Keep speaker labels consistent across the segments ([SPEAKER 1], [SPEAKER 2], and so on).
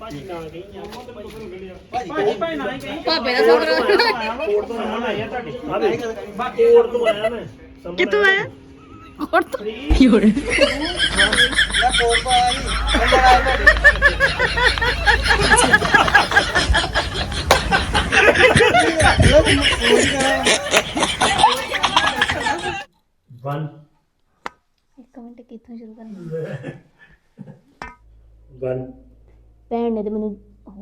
[SPEAKER 1] ਭਾਜੀ ਨਾ ਗਈ
[SPEAKER 2] ਭਾਜੀ ਨਾ ਹੀ ਕਹੀ
[SPEAKER 3] ਭਾਪੇ ਦਾ ਸਬਰ
[SPEAKER 1] ਕੋਟ ਤੋਂ ਆਇਆ ਮੈਂ ਤੁਹਾਡੇ ਕੋਟ ਤੋਂ ਆਇਆ ਮੈਂ
[SPEAKER 3] ਕਿੱਥੋਂ ਆਇਆ ਕੋਟ ਤੋਂ ਯੋੜ
[SPEAKER 2] ਮੈਂ ਕੋਲ ਪਾ ਆਈ ਅੰਦਰ ਆਇਆ
[SPEAKER 1] ਵਨ
[SPEAKER 3] ਇੱਕ ਮਿੰਟ ਕਿੱਥੋਂ ਸ਼ੁਰੂ ਕਰਨਾ
[SPEAKER 1] ਵਨ
[SPEAKER 3] ਭੈਣ ਨੇ ਤੇ ਮੈਨੂੰ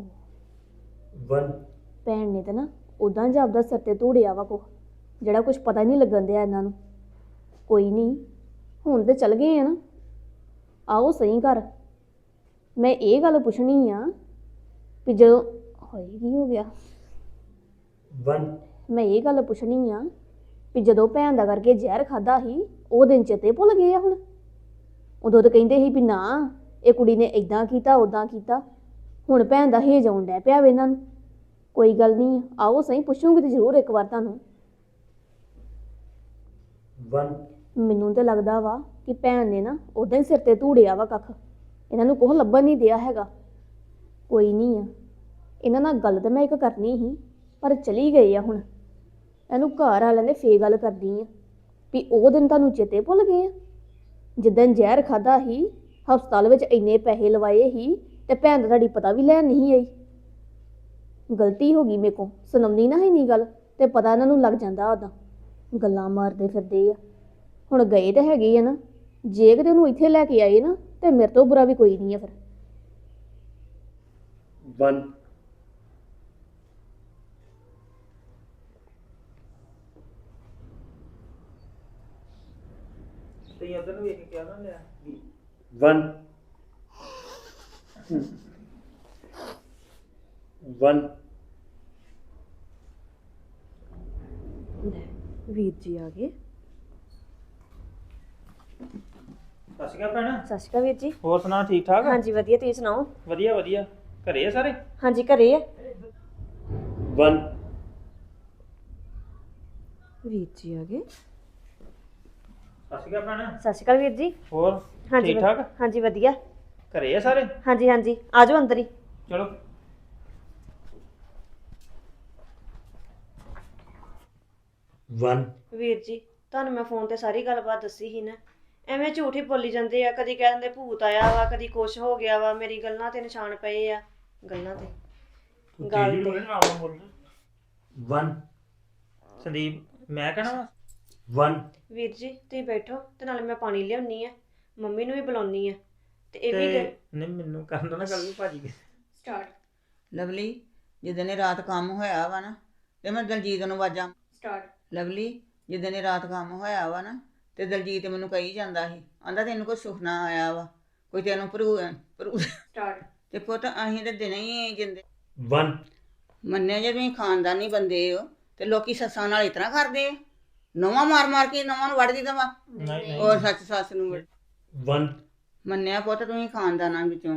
[SPEAKER 1] ਵਨ
[SPEAKER 3] ਭੈਣ ਨੇ ਤਾਂ ਨਾ ਉਦਾਂ ਜਾਪਦਾ ਸਿਰ ਤੇ ਧੂੜਿਆ ਵਾ ਕੋ ਜਿਹੜਾ ਕੁਝ ਪਤਾ ਹੀ ਨਹੀਂ ਲੱਗਣ ਦਿਆ ਇਹਨਾਂ ਨੂੰ ਕੋਈ ਨਹੀਂ ਹੁਣ ਤੇ ਚੱਲ ਗਏ ਆ ਨਾ ਆਓ ਸਹੀ ਘਰ ਮੈਂ ਇਹ ਗੱਲ ਪੁੱਛਣੀ ਆ ਵੀ ਜਦੋਂ ਹੋਏ ਕੀ ਹੋ ਗਿਆ
[SPEAKER 1] ਵਨ
[SPEAKER 3] ਮੈਂ ਇਹ ਗੱਲ ਪੁੱਛਣੀ ਆ ਵੀ ਜਦੋਂ ਭੈਣ ਦਾ ਕਰਕੇ ਜ਼ਹਿਰ ਖਾਦਾ ਸੀ ਉਹ ਦਿਨ ਚੇਤੇ ਭੁੱਲ ਗਏ ਆ ਹੁਣ ਉਦੋਂ ਤਾਂ ਕਹਿੰਦੇ ਸੀ ਵੀ ਨਾ ਇਹ ਕੁੜੀ ਨੇ ਇਦਾਂ ਕੀਤਾ ਉਦਾਂ ਕੀਤਾ ਹੁਣ ਭੈਣ ਦਾ ਹੇਜ ਆਉਣ ਡਿਆ ਪਿਆ ਵੇ ਇਹਨਾਂ ਨੂੰ ਕੋਈ ਗੱਲ ਨਹੀਂ ਆਓ ਸਹੀ ਪੁੱਛੂਗੀ ਤੇ ਜ਼ਰੂਰ ਇੱਕ ਵਾਰ ਤੁਹਾਨੂੰ
[SPEAKER 1] ਵਨ
[SPEAKER 3] ਮੈਨੂੰ ਤਾਂ ਲੱਗਦਾ ਵਾ ਕਿ ਭੈਣ ਨੇ ਨਾ ਉਦਾਂ ਹੀ ਸਿਰ ਤੇ ਧੂੜਿਆ ਵਾ ਕੱਖ ਇਹਨਾਂ ਨੂੰ ਕੋਹ ਲੱਭਣ ਨਹੀਂ ਦਿਆ ਹੈਗਾ ਕੋਈ ਨਹੀਂ ਆ ਇਹਨਾਂ ਨਾਲ ਗੱਲ ਤਾਂ ਮੈਂ ਇੱਕ ਕਰਨੀ ਸੀ ਪਰ ਚਲੀ ਗਈ ਆ ਹੁਣ ਇਹਨੂੰ ਘਰ ਵਾਲਿਆਂ ਨੇ ਫੇਰ ਗੱਲ ਕਰਦੀ ਆ ਵੀ ਉਹ ਦਿਨ ਤੁਹਾਨੂੰ ਚੇਤੇ ਭੁੱਲ ਗਏ ਆ ਜਿੱਦਣ ਜ਼ਹਿਰ ਖਾਦਾ ਸੀ ਹਸਪਤਾਲ ਵਿੱਚ ਇੰਨੇ ਪੈਸੇ ਲਵਾਏ ਸੀ ਤੇ ਭੈਣ ਦਾ ਤੁਹਾਡੀ ਪਤਾ ਵੀ ਲੈਣ ਨਹੀਂ ਆਈ ਗਲਤੀ ਹੋ ਗਈ ਮੇਰੇ ਕੋਲ ਸੁਣਮਦੀ ਨਾ ਇੰਨੀ ਗੱਲ ਤੇ ਪਤਾ ਇਹਨਾਂ ਨੂੰ ਲੱਗ ਜਾਂਦਾ ਉਦਾਂ ਗੱਲਾਂ ਮਾਰਦੇ ਫਿਰਦੇ ਆ ਹੁਣ ਗਏ ਤਾਂ ਹੈਗੇ ਆ ਨਾ ਜੇ ਕਿਤੇ ਉਹਨੂੰ ਇੱਥੇ ਲੈ ਕੇ ਆਏ ਨਾ ਤੇ ਮੇਰੇ ਤੋਂ ਬੁਰਾ ਵੀ ਕੋਈ ਨਹੀਂ ਆ ਫਿਰ
[SPEAKER 1] ਵਨ
[SPEAKER 2] ਤੇ ਉਧਰ ਨੂੰ ਵੇਖ ਕੇ ਕਿਹਾ ਨਾ ਲਿਆ
[SPEAKER 1] ਵਨ ਵਨ
[SPEAKER 3] ਵੀਰ ਜੀ ਆ ਗਏ
[SPEAKER 2] ਸਤਿ ਸ਼੍ਰੀ ਅਕਾਲ ਭੈਣ
[SPEAKER 3] ਸਤਿ ਸ਼੍ਰੀ ਅਕਾਲ ਵੀਰ ਜੀ
[SPEAKER 2] ਹੋਰ ਸੁਣਾ ਠੀਕ ਠਾਕ
[SPEAKER 3] ਹਾਂਜੀ ਵਧੀਆ ਤੁਸੀਂ ਸੁਣਾਓ
[SPEAKER 2] ਵਧੀਆ ਵਧੀਆ ਘਰੇ ਆ ਸਾਰੇ
[SPEAKER 3] ਹਾਂਜੀ ਘਰੇ ਆ
[SPEAKER 1] ਵਨ
[SPEAKER 3] ਵੀਰ ਜੀ ਆ ਗਏ
[SPEAKER 2] ਸਤਿ ਸ਼੍ਰੀ ਅਕਾਲ ਭੈਣ
[SPEAKER 3] ਸਤਿ ਸ਼੍ਰੀ ਅਕਾਲ ਵੀਰ ਜੀ
[SPEAKER 2] ਹੋਰ
[SPEAKER 3] ਹਾਂਜੀ
[SPEAKER 2] ਠੀਕ ਠਾਕ
[SPEAKER 3] ਹਾਂਜੀ ਵਧੀਆ
[SPEAKER 2] ਘਰੇ ਆ ਸਾਰੇ
[SPEAKER 3] ਹਾਂਜੀ ਹਾਂਜੀ ਆ ਜਾਓ ਅੰਦਰ ਹੀ
[SPEAKER 2] ਚਲੋ
[SPEAKER 1] ਵਨ
[SPEAKER 3] ਵੀਰ ਜੀ ਤੁਹਾਨੂੰ ਮੈਂ ਫੋਨ ਤੇ ਸਾਰੀ ਗੱਲਬਾਤ ਦੱਸੀ ਸੀ ਨਾ ਐਵੇਂ ਝੂਠ ਹੀ ਬੋਲੀ ਜਾਂਦੇ ਆ ਕਦੀ ਕਹਿ ਦਿੰਦੇ ਭੂਤ ਆਇਆ ਵਾ ਕਦੀ ਕੁਛ ਹੋ ਗਿਆ ਵਾ ਮੇਰੀ ਗੱਲਾਂ ਤੇ ਨਿਸ਼ਾਨ ਪਏ ਆ ਗੱਲਾਂ ਤੇ ਗੱਲ ਤੇ
[SPEAKER 1] ਵਨ
[SPEAKER 2] ਸੰਦੀਪ ਮੈਂ ਕਹਿਣਾ ਵਾ
[SPEAKER 1] ਵਨ
[SPEAKER 3] ਵੀਰ ਜੀ ਤੁਸੀਂ ਬੈਠੋ ਤੇ ਨਾਲੇ ਮੈਂ ਪਾਣੀ ਲਿਆਉਣੀ ਆ ਮੰਮੀ ਨੂੰ ਵੀ ਬੁਲਾਉਣੀ ਆ ਤੇ ਇਹ ਵੀ
[SPEAKER 2] ਤੇ ਨਹੀਂ ਮੈਨੂੰ ਕਰਨ ਦੋ ਨਾ ਗੱਲ ਵੀ ਭਾਜੀ
[SPEAKER 3] ਸਟਾਰਟ
[SPEAKER 4] ਲਵਲੀ ਜਿੱਦਣ ਇਹ ਰਾਤ ਕੰਮ ਹੋਇਆ ਵਾ ਨਾ ਤੇ ਮੈਂ ਦਲਜੀਤ ਨੂੰ ਵਾਜਾਂ
[SPEAKER 3] ਸਟਾਰਟ
[SPEAKER 4] ਲਵਲੀ ਜਿੱਦਣ ਇਹ ਰਾਤ ਕੰਮ ਹੋਇਆ ਵਾ ਨਾ ਤੇ ਦਲਜੀਤ ਮੈਨੂੰ ਕਹੀ ਜਾਂਦਾ ਸੀ ਆਂਦਾ ਤੈਨੂੰ ਕੋਈ ਸੁਪਨਾ ਆਇਆ ਵਾ ਕੋਈ ਤੈਨੂੰ ਭਰੂ
[SPEAKER 3] ਸਟਾਰਟ
[SPEAKER 4] ਤੇ ਪੁੱਤ ਅਸੀਂ ਤੇ ਦਿਨੇ ਹੀ ਜਿੰਦੇ
[SPEAKER 1] ਵਨ
[SPEAKER 4] ਮੰਨਿਆ ਜੇ ਤੁਸੀਂ ਖਾਨਦਾਨੀ ਬੰਦੇ ਹੋ ਤੇ ਲੋਕੀ ਸੱਸਾਂ ਨਾਲ ਇਤਨਾ ਕਰਦੇ ਆ ਨਵਾਂ ਮਾਰ ਮਾਰ ਕੇ ਨਵਾਂ ਨੂੰ ਵੜਦੀ ਦਵਾ
[SPEAKER 2] ਨਹੀਂ
[SPEAKER 4] ਔਰ ਸੱਚ ਸੱਸ ਨੂੰ
[SPEAKER 1] ਵਨ
[SPEAKER 4] ਮੰਨਿਆ ਪੁੱਤ ਤੁਸੀਂ ਖਾਨਦਾਨਾਂ ਵਿੱਚੋਂ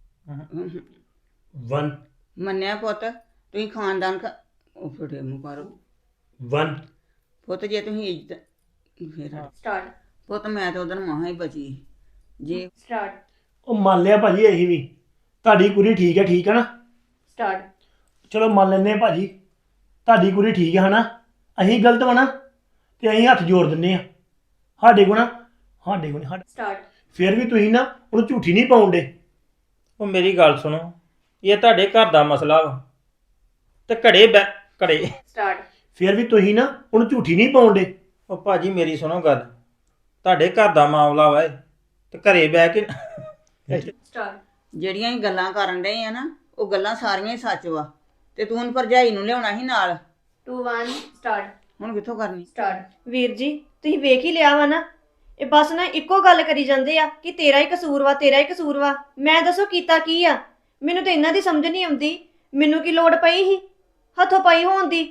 [SPEAKER 1] ਵਨ
[SPEAKER 4] ਮੰਨਿਆ ਪੁੱਤ ਤੁਸੀਂ ਖਾਨਦਾਨ ਉਹ ਫੜੇ ਮੂੰਹ ਕਰੋ
[SPEAKER 1] ਵਨ
[SPEAKER 4] ਪੁੱਤ ਜੇ ਤੁਸੀਂ ਇੱਜ਼ਤ ਫਿਰ
[SPEAKER 3] ਸਟਾਰਟ
[SPEAKER 4] ਪੁੱਤ ਮੈਂ ਤਾਂ ਉਦੋਂ ਮਹਾ ਹੀ ਬਚੀ ਜੇ
[SPEAKER 3] ਸਟਾਰਟ
[SPEAKER 1] ਉਹ ਮੰਨ ਲਿਆ ਭਾਜੀ ਅਸੀਂ ਵੀ ਤੁਹਾਡੀ ਕੁੜੀ ਠੀਕ ਹੈ ਨਾ
[SPEAKER 3] ਸਟਾਰਟ
[SPEAKER 1] ਚਲੋ ਮੰਨ ਲੈਂਦੇ ਆ ਭਾਜੀ ਤੁਹਾਡੀ ਕੁੜੀ ਠੀਕ ਹੈ ਨਾ ਅਸੀਂ ਗਲਤ ਵਾ ਨਾ ਤੇ ਅਸੀਂ ਹੱਥ ਜੋੜ ਦਿੰਨੇ ਆ ਸਾਡੇ ਕੋਲ
[SPEAKER 3] ਸਟਾਰਟ
[SPEAKER 1] ਫਿਰ ਵੀ ਤੁਸੀਂ ਨਾ ਉਹਨੂੰ ਝੂਠੀ ਨਹੀਂ ਪਾਉਂਦੇ
[SPEAKER 2] ਉਹ ਮੇਰੀ ਗੱਲ ਸੁਣੋ ਇਹ ਤੁਹਾਡੇ ਘਰ ਦਾ ਮਸਲਾ ਵਾ ਤੇ ਘੜੇ
[SPEAKER 3] ਸਟਾਰਟ
[SPEAKER 1] ਫਿਰ ਵੀ ਤੁਸੀਂ ਨਾ ਉਹਨੂੰ ਝੂਠੀ ਨਹੀਂ ਪਾਉਂਦੇ
[SPEAKER 2] ਉਹ ਭਾਜੀ ਮੇਰੀ ਸੁਣੋ ਗੱਲ ਤੁਹਾਡੇ ਘਰ ਦਾ ਮਾਮਲਾ ਵਾ ਇਹ ਤੇ ਘਰੇ ਬਹਿ ਕੇ
[SPEAKER 3] ਸਟਾਰਟ
[SPEAKER 4] ਜਿਹੜੀਆਂ ਹੀ ਗੱਲਾਂ ਕਰਨ ਡਏ ਆ ਨਾ ਉਹ ਗੱਲਾਂ ਸਾਰੀਆਂ ਹੀ ਸੱਚ ਵਾ ਤੇ ਤੂੰ ਹੁਣ ਭਰਜਾਈ ਨੂੰ ਲਿਆਉਣਾ ਸੀ ਨਾਲ
[SPEAKER 3] 2 1 ਸਟਾਰਟ
[SPEAKER 4] ਹੁਣ ਕਿੱਥੋਂ ਕਰਨੀ
[SPEAKER 3] ਸਟਾਰਟ ਵੀਰ ਜੀ ਤੁਸੀਂ ਵੇਖ ਹੀ ਲਿਆ ਵਾ ਨਾ ਇਹ ਬਸ ਨਾ ਇੱਕੋ ਗੱਲ ਕਰੀ ਜਾਂਦੇ ਆ ਕਿ ਤੇਰਾ ਹੀ ਕਸੂਰ ਵਾ ਮੈਂ ਦੱਸੋ ਕੀਤਾ ਕੀ ਆ ਮੈਨੂੰ ਤਾਂ ਇਹਨਾਂ ਦੀ ਸਮਝ ਨਹੀਂ ਆਉਂਦੀ ਮੈਨੂੰ ਕੀ ਲੋੜ ਪਈ ਸੀ ਹੱਥੋਂ ਪਈ ਹੋਣ ਦੀ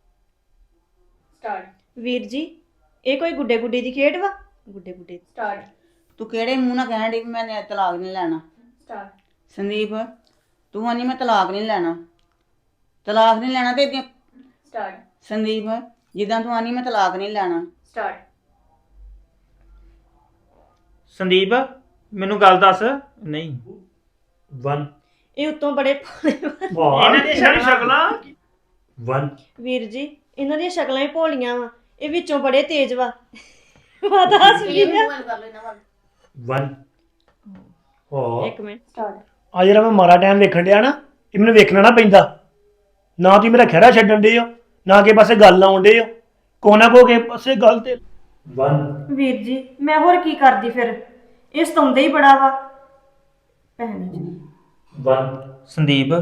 [SPEAKER 3] ਸਟਾਰਟ ਵੀਰ ਜੀ ਇਹ ਕੋਈ ਗੁੱਡੇ ਦੀ ਖੇਡ ਵਾ ਗੁੱਡੇ ਸਟਾਰਟ
[SPEAKER 4] ਤੂੰ ਕਿਹੜੇ ਮੂੰਹ ਨਾਲ ਕਹਿਣ ਡਈ ਵੀ ਮੈਂ ਤਲਾਕ ਨਹੀਂ ਲੈਣਾ
[SPEAKER 3] ਸਟਾਰਟ
[SPEAKER 4] ਸੰਦੀਪ ਤੂੰ ਆਨੀ ਮੈਂ ਤਲਾਕ ਨਹੀਂ ਲੈਣਾ ਤੇ ਏਦਾਂ-
[SPEAKER 3] ਸਟਾਰਟ
[SPEAKER 4] ਸੰਦੀਪ ਜਿੱਦਾਂ ਤੂੰ ਆਨੀ ਮੈਂ ਤਲਾਕ ਨਹੀਂ ਲੈਣਾ
[SPEAKER 3] ਸਟਾਰਟ
[SPEAKER 2] ਸੰਦੀਪ ਮੈਨੂੰ ਗੱਲ ਦੱਸ ਨਹੀਂ
[SPEAKER 1] ਵਨ
[SPEAKER 5] ਇਹ ਉੱਤੋਂ ਬੜੇ
[SPEAKER 1] ਵਾਹ
[SPEAKER 2] ਇਹਨਾਂ ਦੀਆਂ
[SPEAKER 1] ਸ਼ਕਲਾਂ 1
[SPEAKER 5] ਵੀਰ ਜੀ ਇਹਨਾਂ ਦੀਆਂ ਸ਼ਕਲਾਂ ਹੀ ਭੋਲੀਆਂ ਵਾ ਇਹ ਵਿੱਚੋਂ ਬੜੇ ਤੇਜ਼ ਵਾ ਪਤਾ ਹੱਸ ਵੀ ਆ
[SPEAKER 1] 1 ਹੋ
[SPEAKER 5] ਇੱਕ ਮਿੰਟ ਸਟਾਰਟ
[SPEAKER 1] ਆ ਜਿਹੜਾ ਮੈਂ ਮਾਰਾ ਟਾਈਮ ਵੇਖਣ ਡਿਆ ਨਾ ਇਹ ਮੈਨੂੰ ਵੇਖਣਾ ਨਾ ਪੈਂਦਾ ਨਾ ਤੁਸੀਂ ਮੇਰਾ ਖਹਿੜਾ ਛੱਡਣ ਦੇ ਹੋ ਨਾ ਕਿ ਪਾਸੇ ਗੱਲ ਲਾਉਣ ਦੇ ਹੋ ਕੋਨਾ ਕੋ ਕੇ ਪਾਸੇ ਗੱਲ ਤੇ 1
[SPEAKER 5] ਵੀਰ ਜੀ ਮੈਂ ਹੋਰ ਕੀ ਕਰਦੀ ਫਿਰ ਇਹ ਸਤਾਉਂਦਾ ਹੀ ਬੜਾ ਵਾ ਭੈਣ ਜੀ
[SPEAKER 1] 1
[SPEAKER 2] ਸੰਦੀਪ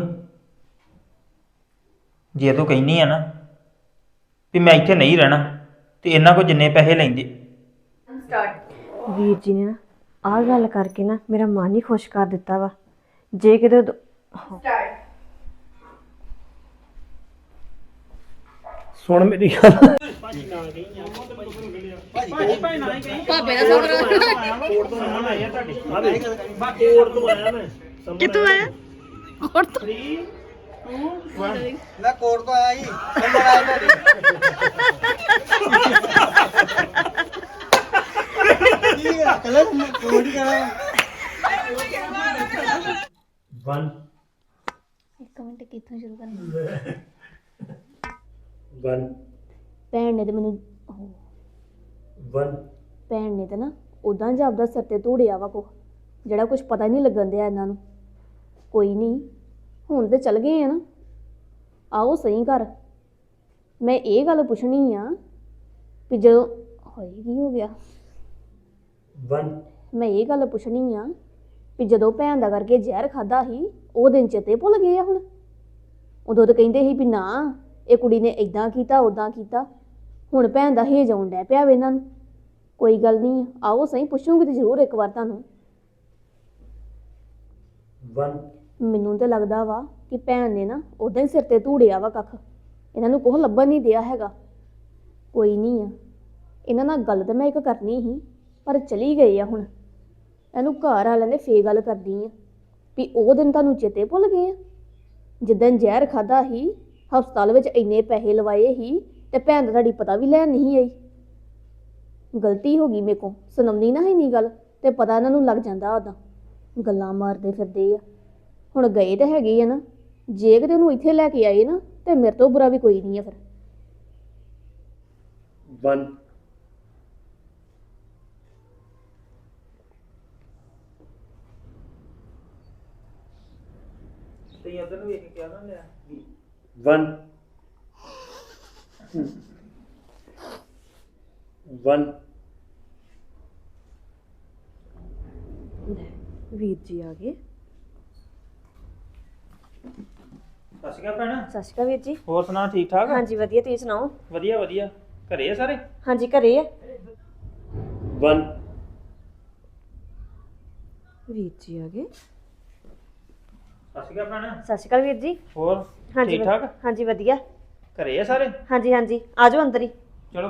[SPEAKER 2] ਜੇ ਤੂੰ ਕਹਿੰਦੀ ਆ ਨਾ ਵੀ ਮੈਂ ਇੱਥੇ ਨਹੀਂ ਰਹਿਣਾ ਤੇ ਇਹਨਾਂ ਕੋ ਜਿੰਨੇ ਪੈਸੇ ਲੈਂਦੇ
[SPEAKER 5] ਵੀਰ ਜੀ ਨੇ ਨਾ ਆਹ ਗੱਲ ਕਰਕੇ ਨਾ ਮੇਰਾ ਮਨ ਹੀ ਖੁਸ਼ ਕਰ ਦਿੱਤਾ ਵਾ ਜੇ ਕਿਤੇ
[SPEAKER 1] ਸੁਣ ਮੇਰੀ ਗੱਲ
[SPEAKER 3] ਕਿੱਥੋਂ ਆਇਆ
[SPEAKER 6] ਮੈਂ ਕੋਰਟ ਤੋਂ ਆਇਆ ਜੀ ਨੰਬਰ ਆਇਆ ਤੁਹਾਡੇ ਕੀ ਆ ਕਲਰ ਕੋਡੀ ਕਰਾਂ
[SPEAKER 1] 1
[SPEAKER 3] ਇੱਕ ਮਿੰਟ ਕਿੱਥੋਂ ਸ਼ੁਰੂ ਕਰਨਾ
[SPEAKER 1] 1
[SPEAKER 3] ਭੈਣ ਨੇ ਤੇ ਮੈਨੂੰ
[SPEAKER 1] 1
[SPEAKER 3] ਭੈਣ ਨੇ ਤਾਂ ਨਾ ਉਦਾਂ ਜਾਪਦਾ ਸਿਰ ਤੇ ਧੂੜਿਆ ਵਾ ਕੋ ਜਿਹੜਾ ਕੁਝ ਪਤਾ ਹੀ ਨਹੀਂ ਲੱਗਣ ਦਿਆ ਇਹਨਾਂ ਨੂੰ ਕੋਈ ਨਹੀਂ ਹੁਣ ਤੇ ਚੱਲ ਗਏ ਆ ਨਾ ਆਓ ਸਹੀ ਘਰ ਮੈਂ ਇਹ ਗੱਲ ਪੁੱਛਣੀ ਆ ਵੀ ਜਦੋਂ ਹੋਏ ਕੀ ਹੋ ਗਿਆ
[SPEAKER 1] 1
[SPEAKER 3] ਮੈਂ ਇਹ ਗੱਲ ਪੁੱਛਣੀ ਆ ਵੀ ਜਦੋਂ ਭੈਣ ਦਾ ਕਰਕੇ ਜ਼ਹਿਰ ਖਾਦਾ ਸੀ ਉਹ ਦਿਨ ਚੇਤੇ ਭੁੱਲ ਗਏ ਆ ਹੁਣ ਉਦੋਂ ਤਾਂ ਕਹਿੰਦੇ ਸੀ ਵੀ ਨਾ ਇਹ ਕੁੜੀ ਨੇ ਇਦਾਂ ਕੀਤਾ ਉਦਾਂ ਕੀਤਾ ਹੁਣ ਭੈਣ ਦਾ ਹੇਜ ਆਉਣ ਡਿਆ ਪਿਆ ਵੇ ਇਹਨਾਂ ਨੂੰ ਕੋਈ ਗੱਲ ਨਹੀਂ ਆਓ ਸਹੀ ਪੁੱਛੂਗੀ ਤੇ ਜ਼ਰੂਰ ਇੱਕ ਵਾਰ ਤੁਹਾਨੂੰ
[SPEAKER 1] 1
[SPEAKER 3] ਮੈਨੂੰ ਤਾਂ ਲੱਗਦਾ ਵਾ ਕਿ ਭੈਣ ਨੇ ਨਾ ਉਦਾਂ ਹੀ ਸਿਰ ਤੇ ਧੂੜਿਆ ਵਾ ਕੱਖ ਇਹਨਾਂ ਨੂੰ ਕੋਹ ਲੱਭਣ ਨਹੀਂ ਦਿਆ ਹੈਗਾ ਕੋਈ ਨਹੀਂ ਆ ਇਹਨਾਂ ਨਾਲ ਗੱਲ ਤਾਂ ਮੈਂ ਇੱਕ ਕਰਨੀ ਸੀ ਪਰ ਚਲੀ ਗਈ ਆ ਹੁਣ ਇਹਨੂੰ ਘਰ ਵਾਲਿਆਂ ਨੇ ਫੇਰ ਗੱਲ ਕਰਦੀ ਆ ਵੀ ਉਹ ਦਿਨ ਤੁਹਾਨੂੰ ਚੇਤੇ ਭੁੱਲ ਗਏ ਆ ਜਿੱਦਣ ਜ਼ਹਿਰ ਖਾਦਾ ਸੀ ਹਸਪਤਾਲ ਵਿੱਚ ਇੰਨੇ ਪੈਸੇ ਲਵਾਏ ਸੀ ਤੇ ਭੈਣ ਦਾ ਤੁਹਾਡੀ ਪਤਾ ਵੀ ਲੈਣ ਨਹੀਂ ਆਈ ਗਲਤੀ ਹੋ ਗਈ ਮੇਰੇ ਕੋਲ ਸੁਣਮਨੀ ਨਾ ਹੈ ਨਹੀਂ ਗੱਲ ਤੇ ਪਤਾ ਇਹਨਾਂ ਨੂੰ ਲੱਗ ਜਾਂਦਾ ਉਦਾਂ ਗੱਲਾਂ ਮਾਰਦੇ ਫਿਰਦੇ ਆ ਹੁਣ ਗਏ ਤਾਂ ਹੈਗੇ ਆ ਨਾ ਜੇ ਕਿਤੇ ਉਹਨੂੰ ਇੱਥੇ ਲੈ ਕੇ ਆਏ ਨਾ ਤੇ ਮੇਰੇ ਤੋਂ ਬੁਰਾ ਵੀ ਕੋਈ ਨਹੀਂ ਆ ਫਿਰ
[SPEAKER 1] 1
[SPEAKER 2] ਤੇ ਉਧਰ ਨੂੰ ਵੇਖ ਕੇ ਕਿਹਾ ਨਾ ਲਿਆ
[SPEAKER 1] 1 1
[SPEAKER 5] ਵੀਰ ਜੀ ਆ ਗਏ
[SPEAKER 2] ਸਤਿ ਸ਼੍ਰੀ ਅਕਾਲ ਭੈਣ
[SPEAKER 5] ਸਤਿ ਸ਼੍ਰੀ ਅਕਾਲ ਵੀਰ ਜੀ
[SPEAKER 2] ਹੋਰ ਸੁਣਾ ਠੀਕ ਠਾਕ
[SPEAKER 5] ਹਾਂਜੀ ਵਧੀਆ ਤੁਸੀਂ ਸੁਣਾਓ
[SPEAKER 2] ਵਧੀਆ ਵਧੀਆ ਘਰੇ ਆ ਸਾਰੇ
[SPEAKER 5] ਹਾਂਜੀ ਘਰੇ ਆ
[SPEAKER 1] 1
[SPEAKER 5] ਵੀਰ ਜੀ ਆ ਗਏ
[SPEAKER 2] ਸਤਿ ਸ਼੍ਰੀ ਅਕਾਲ ਭੈਣ
[SPEAKER 5] ਸਤਿ ਸ਼੍ਰੀ ਅਕਾਲ ਵੀਰ ਜੀ
[SPEAKER 2] ਹੋਰ
[SPEAKER 5] ਹਾਂਜੀ
[SPEAKER 2] ਠੀਕ ਠਾਕ
[SPEAKER 5] ਹਾਂਜੀ ਵਧੀਆ
[SPEAKER 2] ਘਰੇ ਆ ਸਾਰੇ
[SPEAKER 5] ਹਾਂਜੀ ਹਾਂਜੀ ਆ ਜਾਓ ਅੰਦਰ ਹੀ
[SPEAKER 2] ਚਲੋ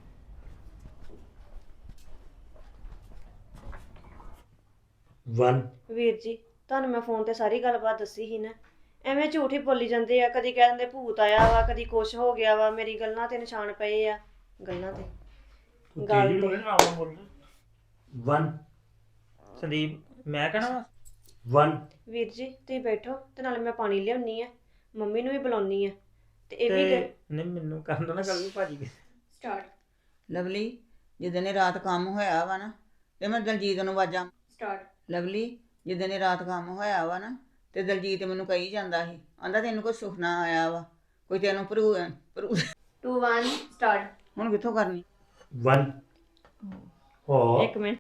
[SPEAKER 1] 1
[SPEAKER 5] ਵੀਰ ਜੀ ਤੁਹਾਨੂੰ ਮੈਂ ਫੋਨ ਤੇ ਸਾਰੀ ਗੱਲਬਾਤ ਦੱਸੀ ਸੀ ਨਾ ਐਵੇਂ ਝੂਠ ਹੀ ਬੋਲੀ ਜਾਂਦੇ ਆ ਕਦੀ ਕਹਿ ਦਿੰਦੇ ਭੂਤ ਆਇਆ ਵਾ ਕਦੀ ਕੁਛ ਹੋ ਗਿਆ ਵਾ ਮੇਰੀ ਗੱਲਾਂ ਤੇ ਨਿਸ਼ਾਨ ਪਏ ਆ ਗੱਲਾਂ ਤੇ ਗੱਲ ਤੇ
[SPEAKER 1] 1
[SPEAKER 2] ਸੰਦੀਪ ਮੈਂ ਕਹਿਣਾ ਵਾ
[SPEAKER 1] 1
[SPEAKER 5] ਵੀਰ ਜੀ ਤੁਸੀਂ ਬੈਠੋ ਤੇ ਨਾਲੇ ਮੈਂ ਪਾਣੀ ਲਿਆਉਣੀ ਆ ਮੰਮੀ ਨੂੰ ਵੀ ਬੁਲਾਉਣੀ ਆ ਤੇ ਇਹ ਵੀ
[SPEAKER 2] ਤੇ ਨਹੀਂ ਮੈਨੂੰ ਕਰਨ ਦੋ ਨਾ ਗੱਲ ਵੀ ਭਾਜੀ ਦੀ।
[SPEAKER 5] ਸਟਾਰਟ
[SPEAKER 4] ਲਵਲੀ ਜਿੱਦਣ ਇਹ ਰਾਤ ਕੰਮ ਹੋਇਆ ਵਾ ਨਾ ਤੇ ਮੈਂ ਦਲਜੀਤ ਨੂੰ ਵਾਜਾਂ
[SPEAKER 5] ਸਟਾਰਟ
[SPEAKER 4] ਲਵਲੀ ਜਿੱਦਣ ਇਹ ਰਾਤ ਕੰਮ ਹੋਇਆ ਵਾ ਨਾ ਤੇ ਦਲਜੀਤ ਮੈਨੂੰ ਕਹੀ ਜਾਂਦਾ ਸੀ ਆਂਦਾ ਤੈਨੂੰ ਕੋਈ ਸੁਪਨਾ ਆਇਆ ਵਾ ਕੋਈ ਤੈਨੂੰ ਭਰੂ
[SPEAKER 5] 2 1 ਸਟਾਰਟ
[SPEAKER 4] ਹੁਣ ਕਿੱਥੋਂ ਕਰਨੀ
[SPEAKER 1] 1 ਹੋ
[SPEAKER 5] ਇੱਕ ਮਿੰਟ